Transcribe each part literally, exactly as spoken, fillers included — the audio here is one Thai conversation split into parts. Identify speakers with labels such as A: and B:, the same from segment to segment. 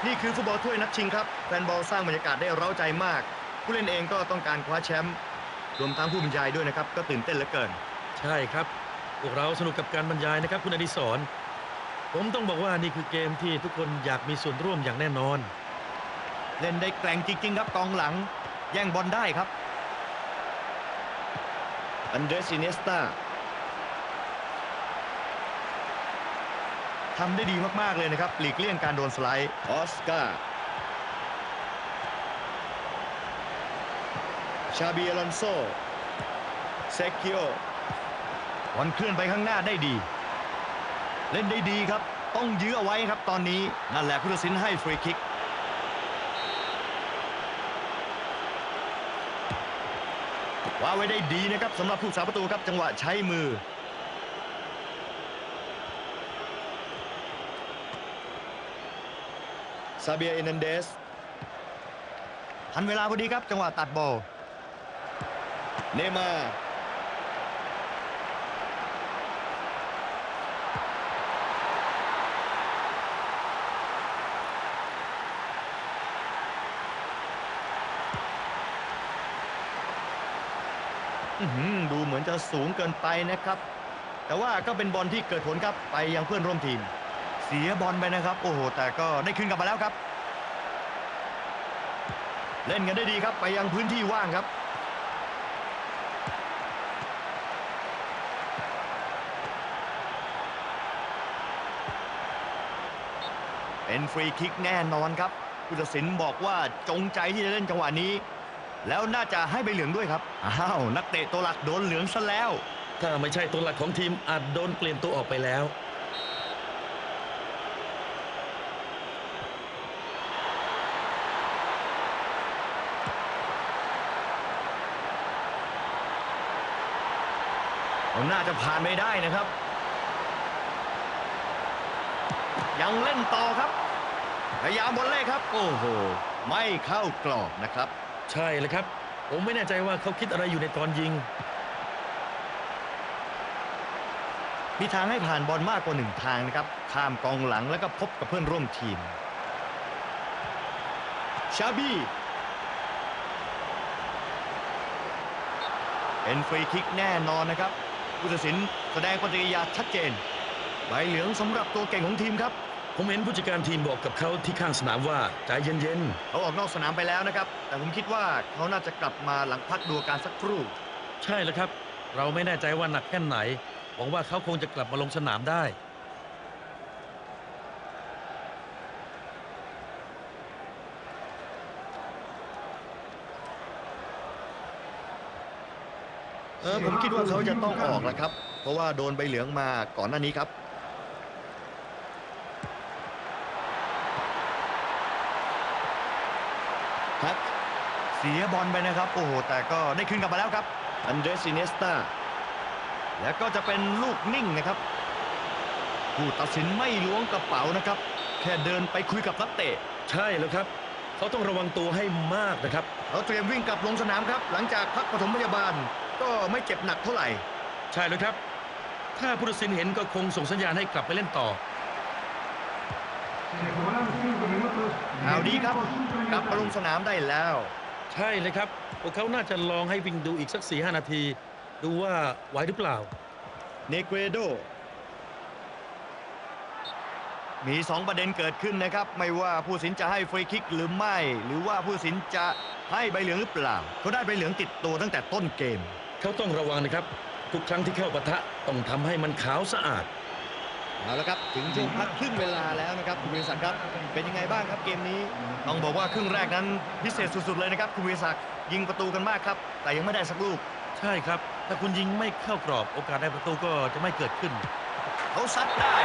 A: นี่คือฟุตบอลถ้วยนัดชิงครับแฟนบอลสร้างบรรยากาศได้เร้าใจมากผู้เล่นเองก็ต้องการคว้าแชมป์รวมทั้งผู้บรรยายด้วยนะครับก็ตื่นเต้นเหลือเกิน
B: ใช่ครับพวกเราสนุกกับการบรรยายนะครับคุณอดิศรผมต้องบอกว่านี่คือเกมที่ทุกคนอยากมีส่วนร่วมอย่างแน่นอน
A: เล่นได้แกร่งจริงๆครับกองหลังแย่งบอลได้ครับอันเดรส อิเนสตาทำได้ดีมากๆเลยนะครับหลีกเลี่ยงการโดนสไลด์ออสการ์ชาบีอลอนโซเซคิโอบอลเคลื่อนไปข้างหน้าได้ดีเล่นได้ดีครับต้องยื้อเอาไว้ครับตอนนี้นั่นแหละผู้ตัดสินให้ฟรีคิกว่าไว้ได้ดีนะครับสำหรับผู้สาประตูครับจังหวะใช้มือซาเบียเอนันเดสทันเวลาพอดีครับจังหวะตัดบอลเนมาดูเหมือนจะสูงเกินไปนะครับแต่ว่าก็เป็นบอลที่เกิดผลครับไปยังเพื่อนร่วมทีมเสียบอลไปนะครับโอ้โหแต่ก็ได้คืนกลับมาแล้วครับเล่นกันได้ดีครับไปยังพื้นที่ว่างครับเป็นฟรีคิกแน่นอนครับผู้ตัดสินบอกว่าจงใจที่จะเล่นจังหวะนี้แล้วน่าจะให้ใบเหลืองด้วยครับอ้าวนักเตะตัวหลักโดนเหลืองซะแล้ว
B: ถ้าไม่ใช่ตัวหลักของทีมอาจโดนเปลี่ยนตัวออกไปแล้ว
A: น่าจะผ่านไม่ได้นะครับยังเล่นต่อครับพยายามบอลเล่ครับโอ้โหไม่เข้ากรอบนะครับ
B: ใช่เลยครับผมไม่แน่ใจว่าเขาคิดอะไรอยู่ในตอนยิง
A: มีทางให้ผ่านบอลมากกว่าหนึ่งทางนะครับข้ามกองหลังแล้วก็พบกับเพื่อนร่วมทีมชาบีเป็นฟรีคิกแน่นอนนะครับผู้ตัดสินแสดงปฏิกิริยาชัดเจนใบเหลืองสำหรับตัวเก่งของทีมครับ
B: ผมเห็นผู้จัดการทีมบอกกับเขาที่ข้างสนามว่าใจเย็น
A: ๆเขาออกนอกสนามไปแล้วนะครับแต่ผมคิดว่าเขาน่าจะกลับมาหลังพักดูอาการสักครู่
B: ใช่แล้วครับเราไม่แน่ใจว่าหนักแค่ไหนหวังว่าเขาคงจะกลับมาลงสนามได้
A: เออผมคิดว่าเขาจะต้องออกแล้วครับเพราะว่าโดนใบเหลืองมาก่อนหน้านี้ครับครับเสียบอลไปนะครับโอ้โหแต่ก็ได้คืนกลับมาแล้วครับอันเดรส อิเนสตาแล้วก็จะเป็นลูกนิ่งนะครับผู้ตัดสินไม่ล้วงกระเป๋านะครับแค่เดินไปคุยกับนักเตะ
B: ใช่แล้วครับเขาต้องระวังตัวให้มากนะครับ
A: เขาเตรียมวิ่งกลับลงสนามครับหลังจากพักปฐมพยาบาลก็ไม่เจ็บหนักเท่าไหร่
B: ใช่แล้วครับถ้าผู้ตัดสินเห็นก็คงส่งสัญญาณให้กลับไปเล่นต่อ
A: ข่าวดีครับกลับมาลงสนามได้แล้ว
B: ใช่เลยครับพวกเขาน่าจะลองให้วิ่งดูอีกสัก สี่ห้า นาทีดูว่าไหวหรือเปล่า
A: เนเกรโดมีสองประเด็นเกิดขึ้นนะครับไม่ว่าผู้ตัดสินจะให้ฟรีคิกหรือไม่หรือว่าผู้ตัดสินจะให้ใบเหลืองหรือเปล่าเขาได้ใบเหลืองติดตัวตั้งแต่ต้นเกม
B: เขาต้องระวังนะครับทุกครั้งที่เข้าปะทะต้องทำให้มันขาวสะอาด
A: เอาละครับถึงช่วงพักครึ่งเวลาแล้วนะครับคุณวิศักดิ์ครับเป็นยังไงบ้างครับเกมนี้ต้องบอกว่าครึ่งแรกนั้นพิเศษสุดๆเลยนะครับคุณวิศักดิ์ยิงประตูกันมากครับแต่ยังไม่ได้สักลูก
B: ใช่ครับถ้าคุณยิงไม่เข้ากรอบโอกาสได้ประตูก็จะไม่เกิดขึ้น
A: เขาซัดได้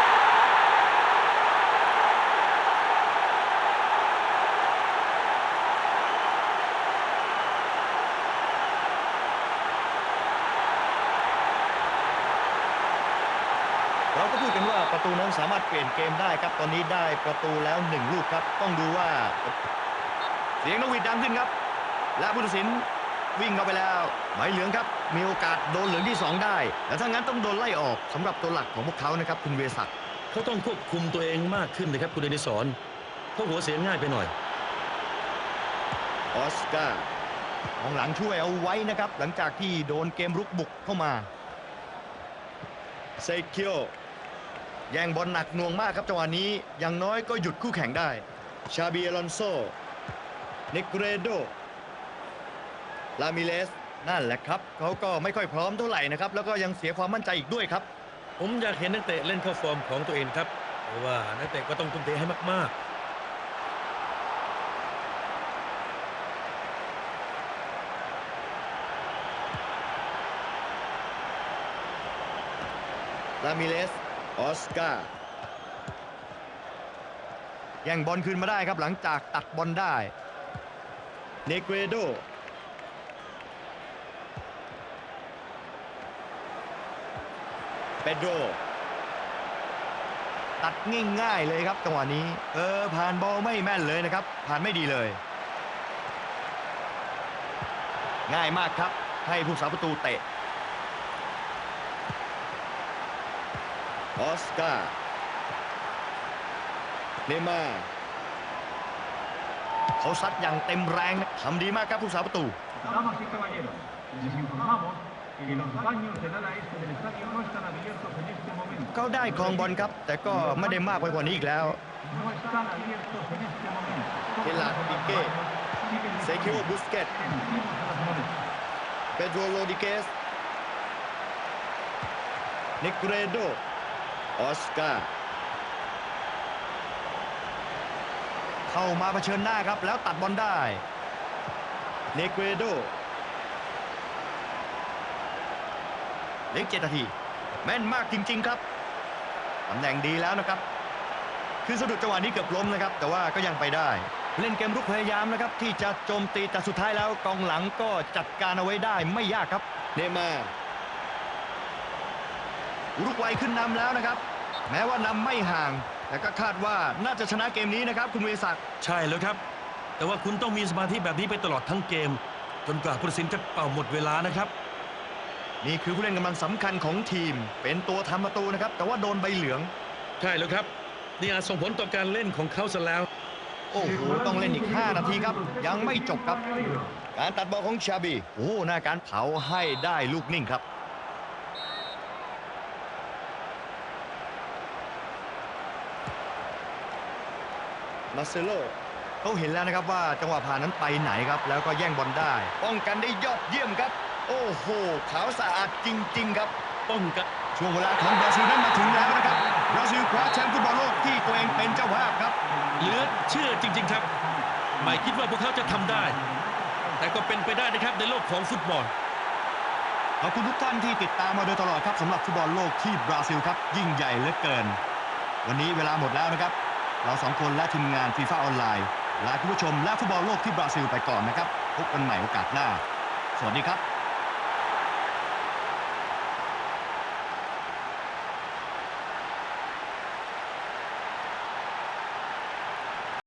A: เราก็พูดกันว่าประตูนั้นสามารถเปลี่ยนเกมได้ครับตอนนี้ได้ประตูแล้วหนึ่งลูกครับต้องดูว่าเสียงนกหวีดดังขึ้นครับและผู้ตัดสินวิ่งเข้าไปแล้วใบเหลืองครับมีโอกาสโดนเหลืองที่สองได้แต่ถ้างั้นต้องโดนไล่ออกสำหรับตัวหลักของพวกเขานะครับคุณเวศักดิ์
B: เขาต้องควบคุมตัวเองมากขึ้นนะครับคุณอดิศรเขาหัวเสียง่ายไปหน่อย
A: ออสการ์ของหลังช่วยเอาไว้นะครับหลังจากที่โดนเกมรุกบุกเข้ามาเซคิโอแย่งบอลหนักหน่วงมากครับจังหวะนี้อย่างน้อยก็หยุดคู่แข่งได้ชาบีอลอนโซเนกเรโดลามิเลสนั่นแหละครับเขาก็ไม่ค่อยพร้อมเท่าไหร่นะครับแล้วก็ยังเสียความมั่นใจอีกด้วยครับ
B: ผมอยากเห็นนักเตะเล่นเข้าฟอร์มของตัวเองครับเพราะว่านักเตะก็ต้องทุ่มเทให้มากๆ
A: ลามิเลสออสการ์แย่งบอลคืนมาได้ครับหลังจากตัดบอลได้เนเกรโดเปโดรตัดง่ายๆเลยครับจังหวะนี้เออผ่านบอลไม่แม่นเลยนะครับผ่านไม่ดีเลยง่ายมากครับให้ผู้สาประตูเตะออสการ์เนย์มาร์เขาซัดอย่างเต็มแรงนะทำดีมากครับผู้สาประตู
C: Damas y caballeros, les informamos que los baños del ala este del estadio no están abiertos en este momento.
A: เขาได้ครองบอลครับ แต่ก็ไม่ได้มากไปกว่านี้อีกแล้ว
C: No están abiertos en este momento.
A: เกลาร์ดปิเก้เซคิโอบุสเกต
C: Encima de las monedas.
A: เปโดรโรดิเกสเนกเรโดออสการ์เข้ามาเผชิญหน้าครับแล้วตัดบอลได้เนเกรโดเหลือเจ็ดนาทีแม่นมากจริงๆครับตำแหน่งดีแล้วนะครับคือสะดุดจังหวะนี้เกือบล้มนะครับแต่ว่าก็ยังไปได้เล่นเกมรุกพยายามนะครับที่จะโจมตีแต่สุดท้ายแล้วกองหลังก็จัดการเอาไว้ได้ไม่ยากครับเนย์มาร์อุรุกวัยขึ้นนำแล้วนะครับแม้ว่านำไม่ห่างแต่ก็คาดว่าน่าจะชนะเกมนี้นะครับคุณวิศักดิ์
B: ใช่แล้วครับ แต่ว่าคุณต้องมีสมาธิแบบนี้ไปตลอดทั้งเกม จนกว่าผู้ตัดสินจะเป่าหมดเวลานะครับ
A: นี่คือผู้เล่นกำลังสำคัญของทีมเป็นตัวทำประตูนะครับแต่ว่าโดนใบเหลือง
B: ใช่แล้วครับนี่อาจส่งผลต่อการเล่นของเขาซะแล้ว
A: โอ้โหต้องเล่นอีกห้านาทีครับยังไม่จบครับการตัดบอลของชาบีโอ้หน้าการเผาให้ได้ลูกนิ่งครับมาเซโลเขาเห็นแล้วนะครับว่าจังหวะผ่านนั้นไปไหนครับแล้วก็แย่งบอลได้ป้องกันได้ยอดเยี่ยมครับโอ้โหขาวสะอาดจริงๆครับ
B: ป้องกัน
A: ช่วงเวลาของบราซิลนั้นมาถึงแล้วนะครับบราซิลคว้าแชมป์ฟุตบอลโลกที่ตัวเองเป็นเจ้าภาพครับ
B: เหลือเชื่อจริงๆครับ ไม่คิดว่าพวกเขาจะทำได้ แต่ก็เป็นไปได้นะครับในโลกของฟุตบอล
A: ขอบคุณทุกท่านที่ติดตามมาโดยตลอดครับสำหรับฟุตบอลโลกที่บราซิลครับยิ่งใหญ่เหลือเกิน วันนี้เวลาหมดแล้วนะครับเราสองคนและทีมงานฟีฟ่าออนไลน์ลาคุณผู้ชมและฟุตบอลโลกที่บราซิลไปก่อนนะครับพบกันใหม่โอกาสหน้าสวัสดีครับ